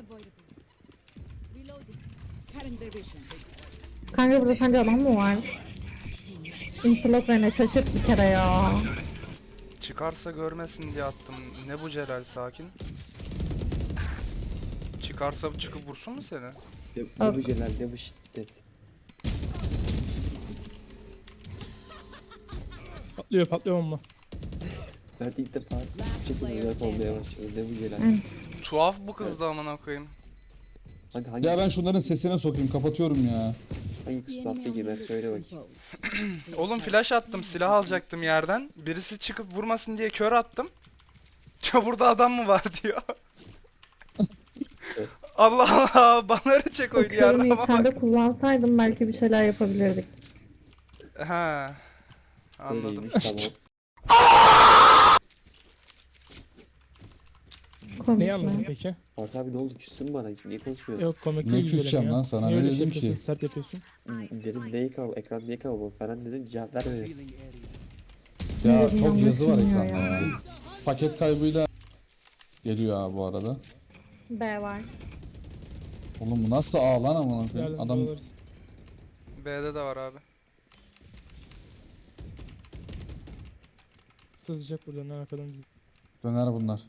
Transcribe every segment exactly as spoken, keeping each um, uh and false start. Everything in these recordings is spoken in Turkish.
Kanka burada sence adam mı var? İnfilok beni şaşırt bir kere ya. Çıkarsa görmesin diye attım. Ne bu Celal, sakin. Çıkarsa çıkıp vursun mu seni? Ne, ne bu celal, ne bu şiddet. Patlıyor patlıyor bomba. Ben ilk defa bu şekilde rap olmaya başladım. Ne bu celal. Hı. Tuhaf bu kız da amına koyayım. Hangi hangi Ya ben şunların sesine sokayım, kapatıyorum ya. hangi kısmette girmez söyle bakayım. Oğlum flash attım, silah alacaktım yerden. Birisi çıkıp vurmasın diye kör attım. Ya burada adam mı var diyor. Allah Allah, bana çek oyunu Bakıyorum yarrama içeride bak. kullansaydım belki bir şeyler yapabilirdik. Ha. Anladım. Öyleymiş tamam. Komik Neyi anladın mi? peki? Bak abi ne oldu, küstün bana, niye konuşmuyorsun? Yok komik Ne değil güzelim küseceğim ya. lan sana, Niye ne öyle şey dedim ki? yapıyorsun? Sert yapıyorsun. Dedim neyi kal, ekran niye kalmadı falan dedim, cevap vermedi. Ya Yerim çok yazı var anlaşılmıyor ekranda ya. ya. Paket kaybıyla geliyor abi bu arada. B var. Oğlum bu nasıl ağ lan amına koyayım? Geldim Adam dolarız. B'de de var abi. Sızacak buradan arkadan bizi. döner bunlar.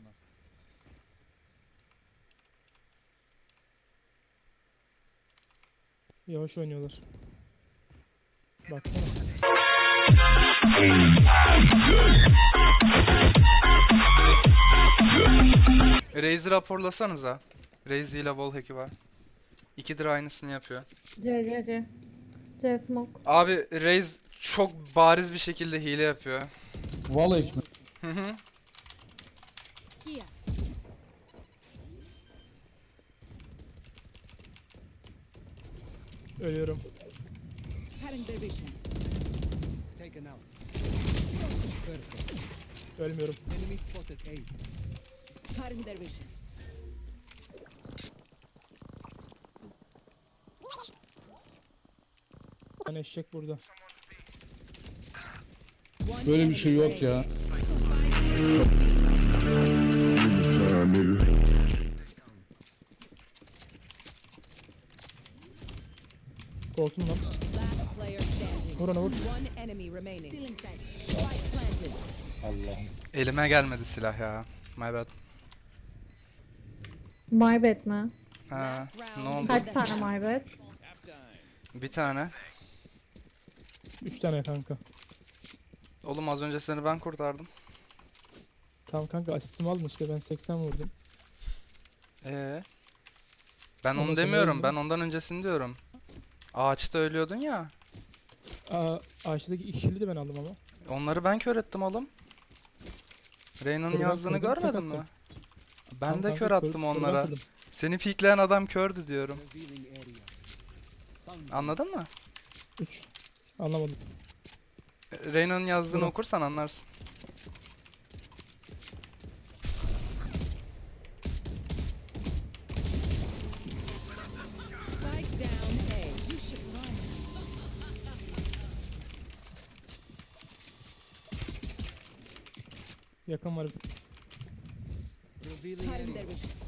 Yavaş oynuyorlar. Baksana. Raze'i raporlasanıza. Raze ile wallhack'i var. İkidir aynısını yapıyor. C C C. C smoke. Abi Raze çok bariz bir şekilde hile yapıyor. Vallahi ekmek. Hı hı. Ölüyorum. Taken out. Ölmüyorum. Enemy spotted A. Bir tane eşek burada. Böyle bir şey yok ya. Korktum lan. Last player standing. Vur ona vur. One enemy remaining. Spike planted. Allah'ım. Elime gelmedi silah ya. My bad. My bad mi? Ha, ne oldu? Kaç tane my bad? Bir tane. Üç tane kanka. Oğlum az önce seni ben kurtardım. Tamam kanka asistimi aldın işte ben seksen vurdum. Ee. Ben Ama onu sen demiyorum. öldün. Ben ondan öncesini diyorum. Ağaçta ölüyordun ya. Aa, ağaçtaki iki kill'i de ben aldım ama. Onları ben kör ettim oğlum. Reyna'nın Kör yazdığını atmadın, tek görmedin mi? attım. Ben Tamam de kanka, kör attım kör onlara. atmadım. Seni pikleyen adam kördü diyorum. Revealing area. Found Anladın mı? Üç. Anlamadım. Reyna'nın yazdığını Bura. okursan anlarsın. Spike down A. You should run. Yakın var bir tık. revealing area.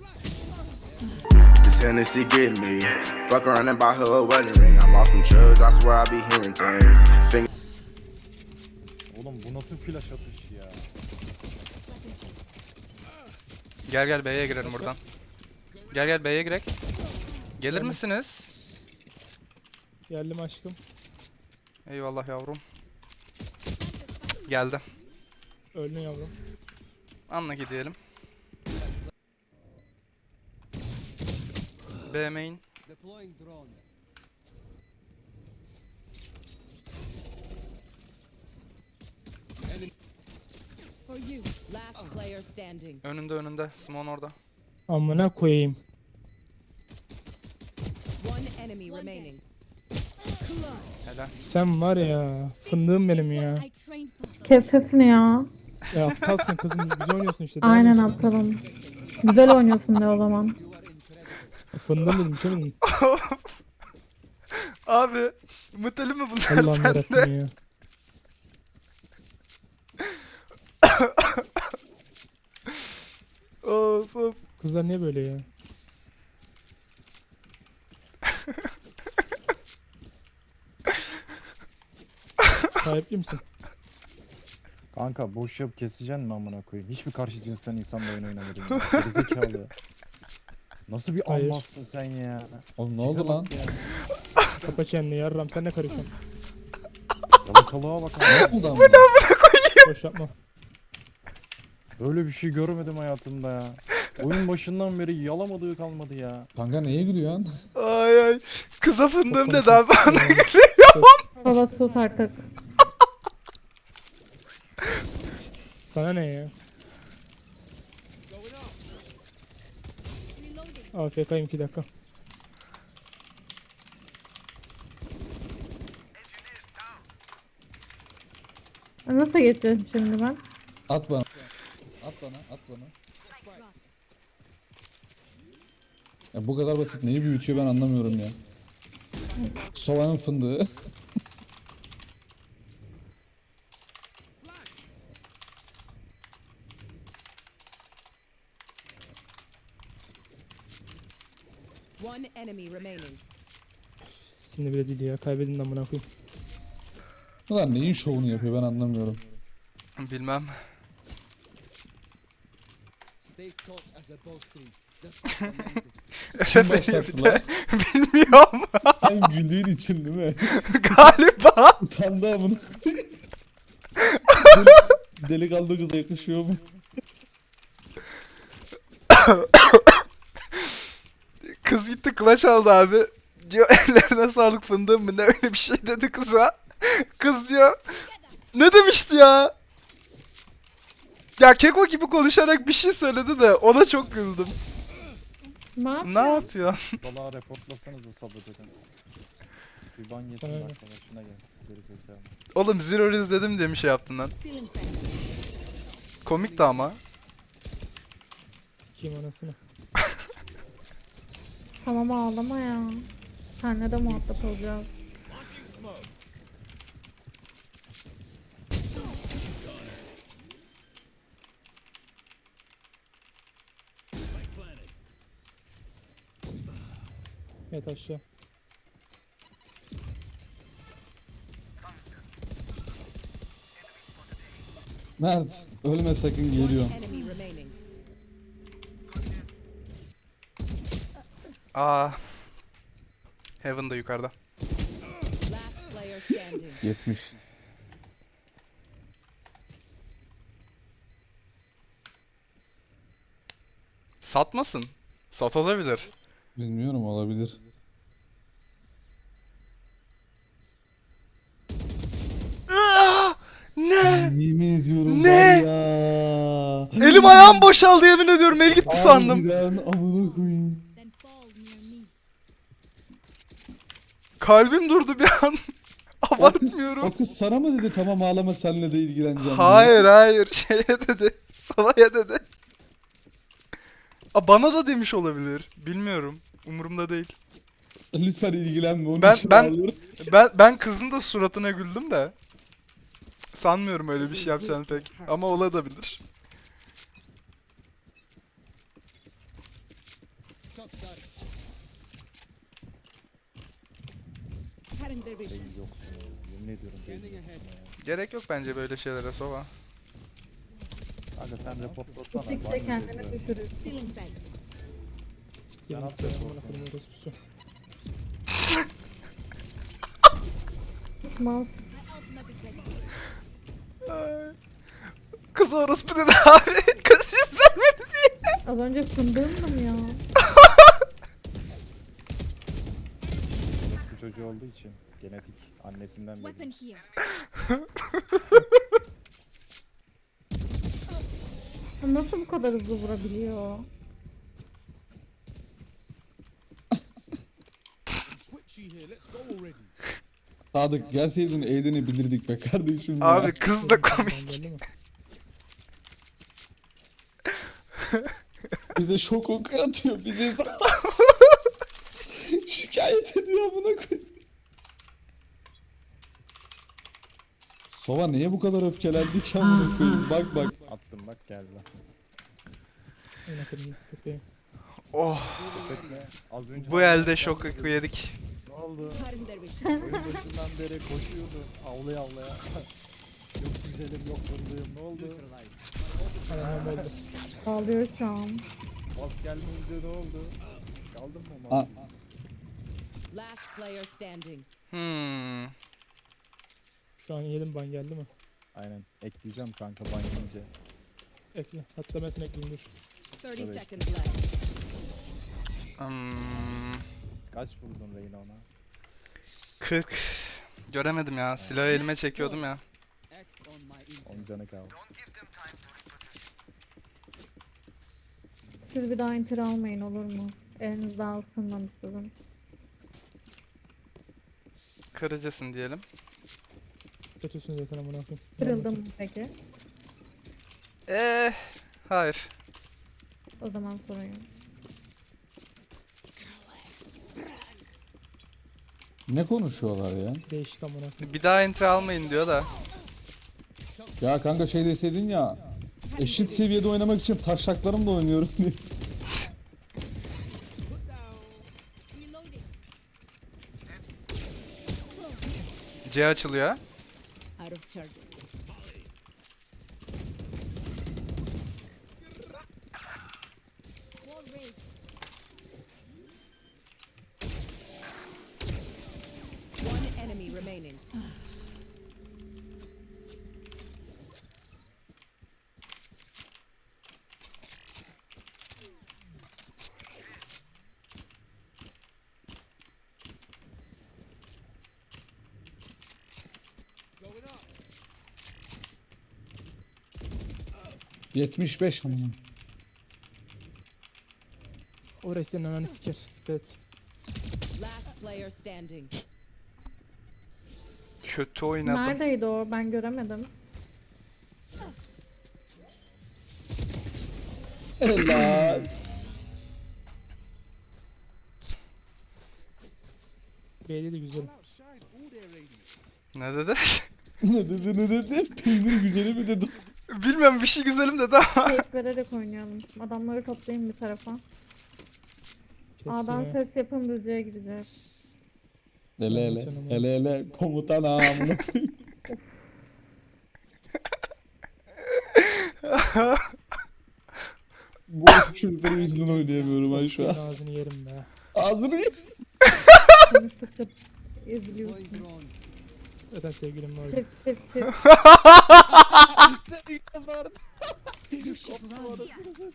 This Hennessy get me. Fuck around and buy her a wedding ring. I'm off them drugs, I swear I be hearing things. Think Oğlum bu nasıl flash atış ya? Gel gel B'ye girelim buradan. Gel gel B'ye girek. Gelir misiniz? Geldim aşkım. Eyvallah yavrum. Geldi. Öldün yavrum. Anla gidelim. B main. Deploying drone. For you. Last player standing. Önünde önünde. Simon orada. Amına koyayım. One enemy remaining. Helal. Sen var ya. Fındığım benim ya. Kes sesini ya. Ya aptalsın kızım. Güzel oynuyorsun işte. daha Aynen ne istiyorsun? aptalım. Güzel oynuyorsun de o zaman. Fındığım dedim. Şey mi dedim? Abi. Mutlu mu bunlar Allah'ım sende? yarabbim ya. Of of. Kızlar niye böyle ya? Sahipli misin? Kanka boş yap keseceksin mi amına koyayım? Hiçbir karşı cinsten insanla oyun oynamadım ya. Gerizekalı ya. Nasıl bir Hayır. Allah'sın sen ya? Oğlum ne oldu lan? Kapa çeneni yarram sen ne karışıyorsun? Yalakalığa bak abi. Ne oldu ama? Boş yapma. Böyle bir şey görmedim hayatımda ya. Oyun başından beri yalamadığı kalmadı ya. Kanka neye gülüyorsun? Ay ay. Kıza fındığım dedi abi. Baba sus artık. Sana ne ya? A F K'yim iki dakika. Nasıl geçeceğim şimdi ben? At bana. At bana, at bana. Ya bu kadar basit neyi büyütüyor ben anlamıyorum ya. Sova'nın fındığı. One enemy remaining. Skinli bile değil ya. Kaybedin amına koyayım. Ulan neyin şovunu yapıyor ben anlamıyorum. Bilmem. Stay taut as a bowstring. That's amazing. Kim Referi başlattı bir lan? de. Bilmiyorum. Sen güldüğün için değil mi? Galiba. Utandı amına. Delikanlı kıza yakışıyor mu? Kız gitti clutch aldı abi. Diyor ellerine sağlık fındığım mı ne öyle bir şey dedi kıza. Kız diyor. Ne demişti ya? Ya Keko gibi konuşarak bir şey söyledi de ona çok güldüm. Ne yapayım? Ne yapıyorsun? Salağa reportlasanız o sabır dedim. Bir ban yesin Aynen. bak sana şuna gel. Gerizekalı. Oğlum Zero izledim diye bir şey yaptın lan. Komikti ama. Sikeyim anasını. Tamam ağlama ya. Senle de muhatap olacağız. Yat aşağı. Mert ölme sakın geliyor. Enemy remaining. Aa. Heaven da yukarıda. Last player standing. yetmiş. Satmasın. Satılabilir. Bilmiyorum olabilir. Aa! Ne? Yemin ediyorum Ne? var ya. Elim ayağım boşaldı yemin ediyorum. El gitti sandım. Harbiden amına koyayım. Kalbim durdu bir an. Abartmıyorum. O kız sana mı dedi tamam ağlama senle de ilgileneceğim diye? Hayır hayır. Şeye dedi. Sava'ya dedi. Aa, bana da demiş olabilir. Bilmiyorum. Umurumda değil. Lütfen ilgilenme onun Ben- için ben- ağlıyorum. Ben ben kızın da suratına güldüm de. Sanmıyorum öyle bir şey yapacağını pek. Ama olabilir. Shot start. Beyin yoksun ya. Yemin ediyorum beyin Scanning yoksun ahead. ya. Gerek yok bence böyle şeylere Sova. Kanka sen reportlasana. Sikte ban kendini yiyeceğiz ya. düşürür. Sikeyim Ben git atlıyorum. ya, amına koyayım orospusu. Small. Ay. Kız orospu dedi abi. Kız yüz vermedi diye. Az önce fındığımdım ya. Orospu çocuğu olduğu için genetik annesinden belli. Nasıl bu kadar hızlı vurabiliyor? Sadık gelseydin eğleni bilirdik be kardeşim ya. Abi kız da komik. Tamam, belli mi? Bize şok oku atıyor bize. Şikayet ediyor amına koyayım. Sova niye bu kadar öfkelendi ki amına koyayım? Bak bak. Attım bak geldi. Amına koyayım, köpeğim. Oh. Köpekle az önce Bu elde şok yedik. Ne oldu? Cutting their vision. Oyun başından beri koşuyordun. Avlaya avlaya. Yok güzelim yok fındığım. Ne oldu? Anam oldu. Ağlıyor şu an. Bas gelmeyince ne oldu? Kaldın mı? Aa, mal? Last player standing. Hmm. Şu an yedim ban geldi mi? Aynen. Ekleyeceğim kanka ban yiyince. Ekle. Hatta ben seni ekleyeyim dur. thirty Tabii. seconds left. Hmm. Kaç vurdun Reyna ona? kırk. Göremedim ya. Silahı elime çekiyordum ya. Act on my intent. on canı kaldı. Siz bir daha enter almayın olur mu? Elinizde alsınlar istedim. Kırıcısın diyelim. Kötüsün zaten amına koyayım. Kırıldım mı peki? Eee. Hayır. O zaman sorun yok. ne konuşuyorlar ya? Değişik amına koyayım. Bir daha enter almayın diyor da. Ya kanka şey deseydin ya. Eşit seviyede oynamak için taşaklarımla oynuyorum diye. Reloading. C açılıyor. Out of charges. Wall raised. One enemy remaining. Going up. yetmiş beş ama. Orası senin ananı siker. Dikkat et. Last player standing. Kötü oynadım. Neredeydi o? Ben göremedim. Helal. B'de de güzel. Outshine all their radiance. Ne dedi? ne dedi ne dedi? Peynir güzeli mi dedi? Bilmiyorum bir şey güzelim dedi ama. Keyif vererek oynayalım. Adamları toplayayım bir tarafa. A'dan Kestim ya. ses yapın düzeye gideceğiz. Hele hele. Hele hele. Komutan ağamını. Bu çocukların yüzünden oynayamıyorum ben şu Senin an. ağzını yerim be. Ağzını ye. Konuştukça Going eziliyorsun. drone. Zaten sevgilim var. Çift çift çift. You should run.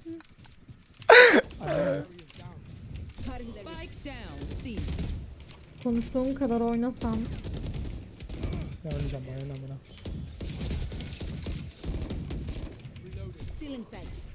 Aynen. Cutting their spike down. C. Konuştuğum kadar oynasam. Ben oynayacağım aynen amına. Stealing sight.